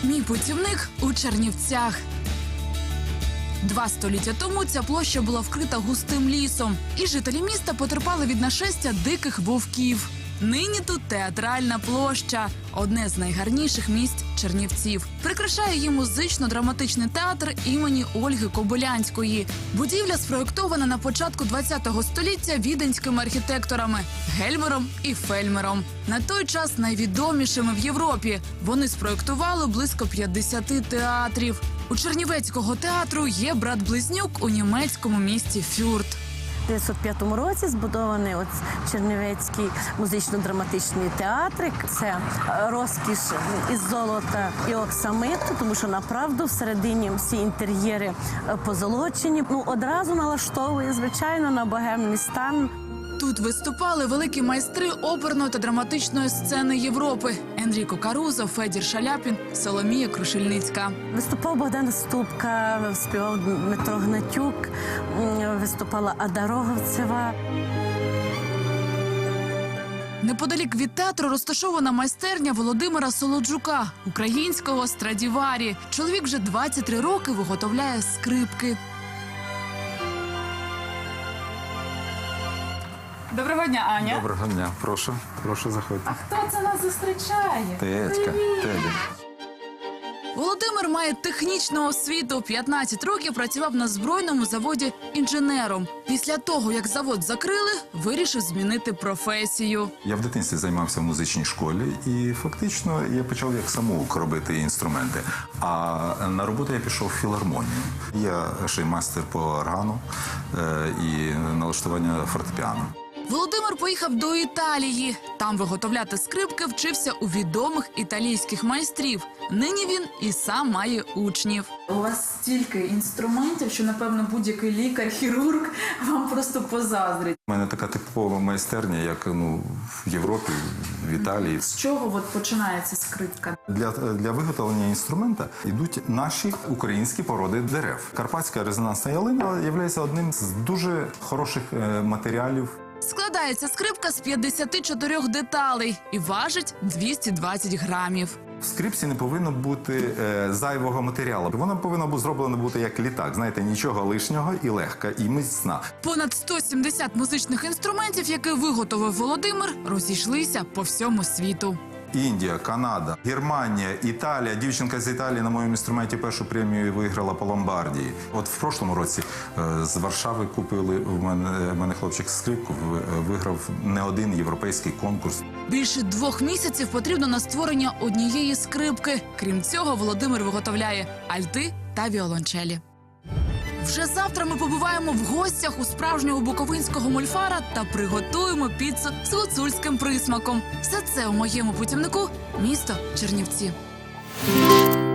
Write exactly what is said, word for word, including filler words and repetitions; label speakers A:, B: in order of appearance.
A: Мій путівник у Чернівцях. Два століття тому ця площа була вкрита густим лісом, і жителі міста потерпали від нашестя диких вовків. Нині тут театральна площа – одне з найгарніших місць Чернівців. Прикрашає її музично-драматичний театр імені Ольги Кобилянської. Будівля спроєктована на початку ХХ століття віденськими архітекторами Гельмером і Фельмером. На той час найвідомішими в Європі. Вони спроєктували близько п'ятдесят театрів. У Чернівецького театру є брат-близнюк у німецькому місті Фюрт.
B: У дев'ятсот п'ятому році збудований от Чернівецький музично-драматичний театр. Це розкіш із золота і оксамиту, тому що направду всередині всі інтер'єри позолочені. Ну, одразу налаштовує, звичайно, на богемний стан.
A: Тут виступали великі майстри оперної та драматичної сцени Європи – Енріко Карузо, Федір Шаляпін, Соломія Крушельницька.
B: Виступав Богдан Ступка, співав Дмитро Гнатюк, виступала Ада Роговцева.
A: Неподалік від театру розташована майстерня Володимира Солоджука, українського Страдіварі. Чоловік вже двадцять три роки виготовляє скрипки. Доброго дня, Аня.
C: Доброго дня. Прошу, прошу, заходьте.
A: А хто це нас зустрічає?
C: Тетька, Тедя.
A: Володимир має технічну освіту. п'ятнадцять років працював на збройному заводі інженером. Після того, як завод закрили, вирішив змінити професію.
C: Я в дитинстві займався в музичній школі і фактично я почав як самоук робити інструменти. А на роботу я пішов в філармонію. Я ще й майстер по органу е, і налаштування фортепіано.
A: Володимир поїхав до Італії. Там виготовляти скрипки вчився у відомих італійських майстрів. Нині він і сам має учнів. У вас стільки інструментів, що, напевно, будь-який лікар, хірург вам просто позаздрить.
C: У мене така типова майстерня, як ну, в Європі, в Італії.
A: З чого от починається скрипка?
C: Для, для виготовлення інструмента йдуть наші українські породи дерев. Карпатська резонансна ялина є одним з дуже хороших е, матеріалів.
A: Складається скрипка з п'ятдесят чотири деталей і важить двісті двадцять грамів.
C: В скрипці не повинно бути е, зайвого матеріалу. Вона повинна бути зроблена бути як літак. Знаєте, нічого лишнього і легка, і міцна.
A: Понад сто сімдесят музичних інструментів, які виготовив Володимир, розійшлися по всьому світу.
C: Індія, Канада, Германія, Італія. Дівчинка з Італії на моєму інструменті першу премію виграла по Ломбардії. От в прошлому році е, з Варшави купили в мене, в мене хлопчик скрипку, виграв не один європейський конкурс.
A: Більше двох місяців потрібно на створення однієї скрипки. Крім цього, Володимир виготовляє альти та віолончелі. Вже завтра ми побуваємо в гостях у справжнього буковинського мольфара та приготуємо піцу з гуцульським присмаком. Все це у моєму путівнику – місто Чернівці.